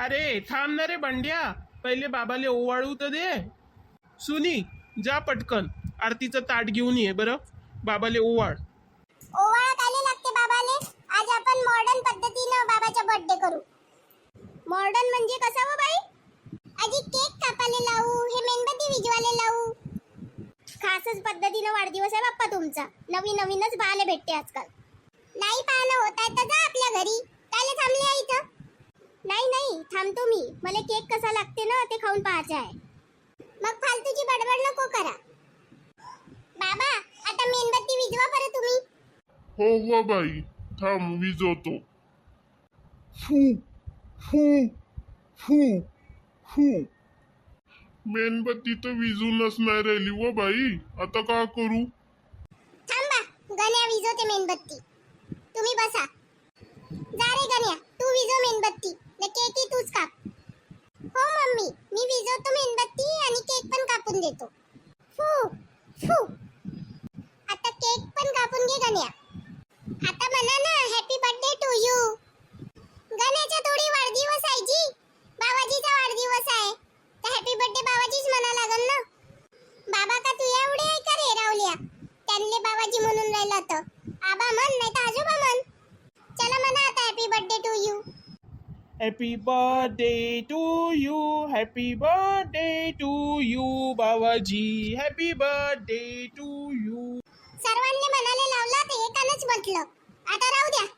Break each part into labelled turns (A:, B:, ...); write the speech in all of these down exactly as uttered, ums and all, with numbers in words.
A: अरे थांब ना रे बंड्या, पहिले बाबाले ओवाळू तर दे. सुनी जा पटकन आरतीचं ताट घेऊन ये बरं, बाबाले ओवाळ.
B: ओवाळा काले लागते बाबाले? आज आपण मॉडर्न पद्धतीनं बाबाचा बर्थडे करू. मॉडर्न म्हणजे कसं हो बाई? आजी केक कापाले लावू, हे मेणबत्ती विजवाले लावू. खासच पद्धतीनं वाढदिवस आहे बाप्पा तुमचा. नवीन नवीनच पाहायला भेटते आजकाल. नाही पाहणं होत आहे तर जा आपल्या घरी. कायले थांबले आहे इथं? नाही नाही थांबतो मी, मला केक कसा लागते ना ते खाऊन पाहायचं आहे. मग फालतूची बडबड नको करा. बाबा आता मेणबत्ती विजवा परत तुम्ही.
C: हो हो बाई, थांब विजवतो. फू फू फू फू. मेणबत्ती तर विजूनच नाही राहिली व बाई, आता का करू?
B: थांबा, गण्या विजवते मेणबत्ती. तुम्ही बसा. जा रे गण्या, तू विजव मेणबत्ती. न केक तूच काप. हो मम्मी, मी विजवतो मेणबत्ती आणि केक पण कापून देतो. फू फू. आता केक पण कापून घे गण्या. आता म्हणा ना हॅपी बर्थडे टू यू. गण्याचा थोडी वाढदिवस आहे जी, बाबाजीचा वाढदिवस आहे तर हॅपी बर्थडे बाबाजीच म्हणा लागल ना. बाबा का तू एवढे आहे का रे रावल्या? त्यांना बाबाजी म्हणून राहिला तर आबा म्हण नाही तर आजोबा म्हण. चला म्हणा आता happy birthday to you.
A: Happy birthday to you, happy birthday to you Babaji, happy birthday to you.
B: सर्वांनी म्हणाले लावला ते एकानंच म्हटलं. आता राहू द्या.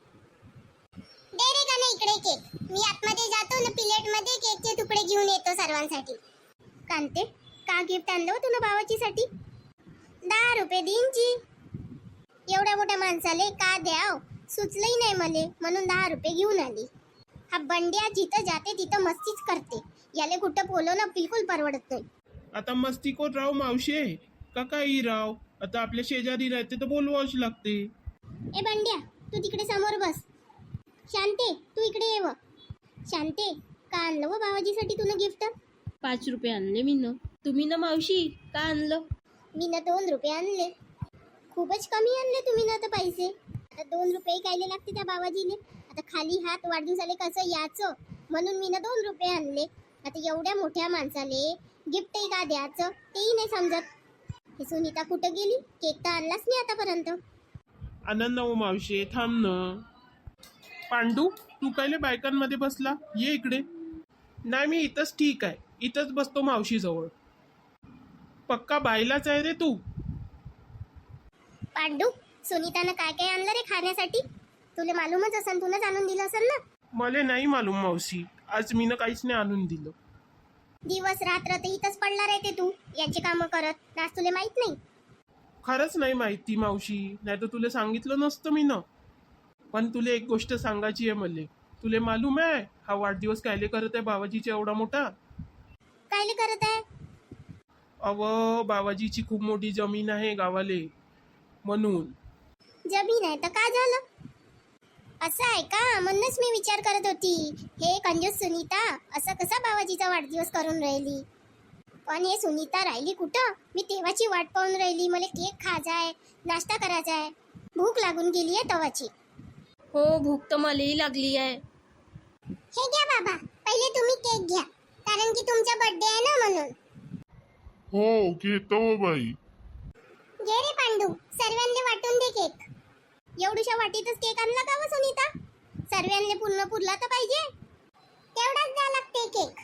B: दे रे गाणे इकडे केक. मी आतमध्ये जातो ना प्लेट मध्ये केकचे तुकडे घेऊन येतो सर्वांसाठी. कांते का गिफ्ट आणलं हो तुला बाबाजीसाठी? दहा रुपये देईनची. एवढ्या मोठ्या माणसाले का द्याव सुचलंही नाही मले, म्हणून दहा रुपये घेऊन आली. हा बंड्या जिथं जाते तिथं मस्तीच करते. याले कुठं बोलवणं बिलकुल परवडत नाही.
A: आता मस्तीकोर राव मावशे का काही राव, आता आपल्या शेजारी राहते तर बोलवाच लागते.
B: ए बंड्या तू तिकडे समोर बस. शांते तू इकडे ये. व शांते का आणलं व बाबाजीसाठी तुला गिफ्ट?
D: पाच रुपये आणले मी न. तुम्ही ना मावशी का आणलं?
B: मी ना दोन रुपये आणले. खूपच कमी आणले तुम्ही ना तर पैसे. आता दोन रुपये कायले लागते त्या बाबाजीले? आता खाली हात वाढदिवसाले कसं याचं म्हणून मी ना दोन रुपये आणले. आता एवढ्या मोठ्या माणसाले गिफ्टही का द्यायचं तेही नाही समजत. हे सुनीता कुठं गेली? केक तर आणलाच नाही आतापर्यंत.
A: आनंद हो मावशे, थांब ना. पांडू तू कायले बायकांमध्ये बसला, ये इकडे. नाही मी इथंच ठीक आहे, इथंच बसतो मावशी जवळ. पक्का बायलाच आहे रे तू.
B: पांडू सुनीतानं काय काय आणलं रे खाण्यासाठी? तुला मालूमच असेल, तूनच आणून दिलं असेल ना.
A: मला नाही मालूम मावशी, आज मी ना काहीच नाही आणून दिलं.
B: दिवस रात्र तर इथंच पडला राहते तू याची कामं करत. आज तुला माहित नाही?
A: खरंच नाही माहिती मावशी, नाही तर तुला सांगितलं नसतं मी ना. पण तुला एक गोष्ट सांगायची आहे मले. तुला मालूम आहे हा वाढदिवस कायले करत आहे बाबाजीचा एवढा मोठा?
B: कायले करत आहे?
A: अव बाबाजीची खूप मोठी जमीन आहे गावाले, म्हणून.
B: जमीन आहे तर का झालं? असं आहे का? म्हणूनच मी विचार करत होती हे कंजूस सुनीता असं कसा बाबाजीचा वाढदिवस करून राहिली. पण हे सुनीता राहिली कुठं? मी तेव्हाची वाट पाहून राहिली. मला केक खायचा आहे, नाश्ता करायचा आहे, भूक लागून गेली आहे तवाची.
D: हो भूक तर मलाही लागली आहे.
B: हे घ्या बाबा, पहिले तुम्ही केक घ्या कारण की तुमचा बर्थडे आहे ना म्हणून.
C: हो घेतो हो बाई.
B: घे रे पांडू, सर्वांना वाटून दे केक. एवढ्याशा वाटीतच केक आणला का व सुनीता? सर्वांना पूर्ण पुरला तर पाहिजे. तेवढाच द्या लागते केक.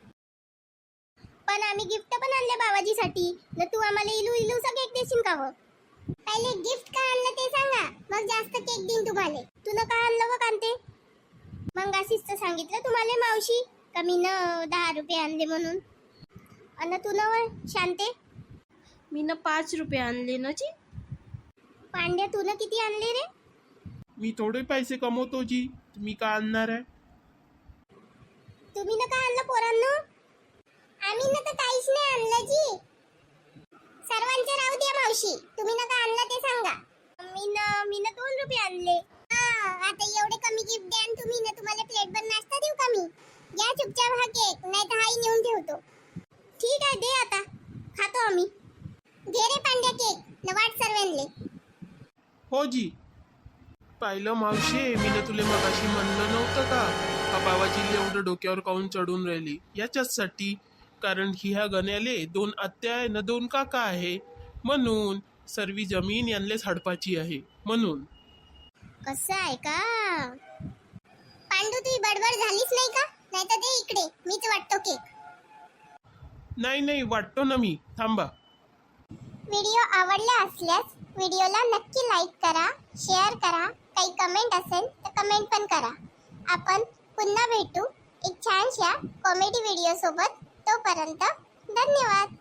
B: पण आम्ही गिफ्ट पण आणले बाबाजीसाठी न तू आम्हाला इलू इलूचा केक देशील का व? पहिले गिफ्ट का आणलं ते सांगा, मग जास्त केक देईन तुम्हाला. तुला का आणलं व कांते? मग अशीच तर सांगितलं तुम्हाला मावशी का मी न दहा रुपये आणले म्हणून. अन तू न व शांते?
D: मी ना पाच रुपये आणले ना जी.
B: पांड्या तू न किती आणले रे?
A: मी थोडे पैसे कमवतो जी, तुम्ही का आणणार आहे?
B: तुम्ही न का आणलं पोरांनो? आम्ही न तर काहीच नाही आणलं जी. सर्वांचे राहू द्या मावशी, तुम्ही न का आणलं ते सांगा. मी न मी न दोन रुपये आणले. हा आता एवढे कमी गिफ्ट द्या आणि तुम्ही न तुम्हाला प्लेटभर नाश्ता देऊ का मी? घ्या चुपचाप हा केक, नाही तर हाही नेऊन ठेवतो. ठीक आहे दे आता, खातो आम्ही. घे रे पांड्या केक न वाट सर्वांले.
A: हो जी. पाहिलं मावशे, मी ना तुले मगाशी म्हणलं नव्हतं का हा बाबाजी एवढं डोक्यावर काऊन चढून राहिली? याच्याचसाठी, कारण ही ह्या गण्याले दोन आत्या आहे ना दोन काका आहे, म्हणून सर्वी जमीन यांलेच हडपाची आहे म्हणून.
B: असं आहे का? पांडू तुझी बडबड झालीच नाही का? नाही तर दे इकडे, मीच वाटतो केक.
A: नाही नाही वाटतो ना मी, थांबा.
B: व्हिडिओ आवडला असल्यास व्हिडिओला नक्की लाईक करा, शेअर करा, काही कमेंट असेल तर कमेंट पण करा. आपण पुन्हा भेटू एक छानशा कॉमेडी व्हिडिओ सोबत. तोपर्यंत धन्यवाद.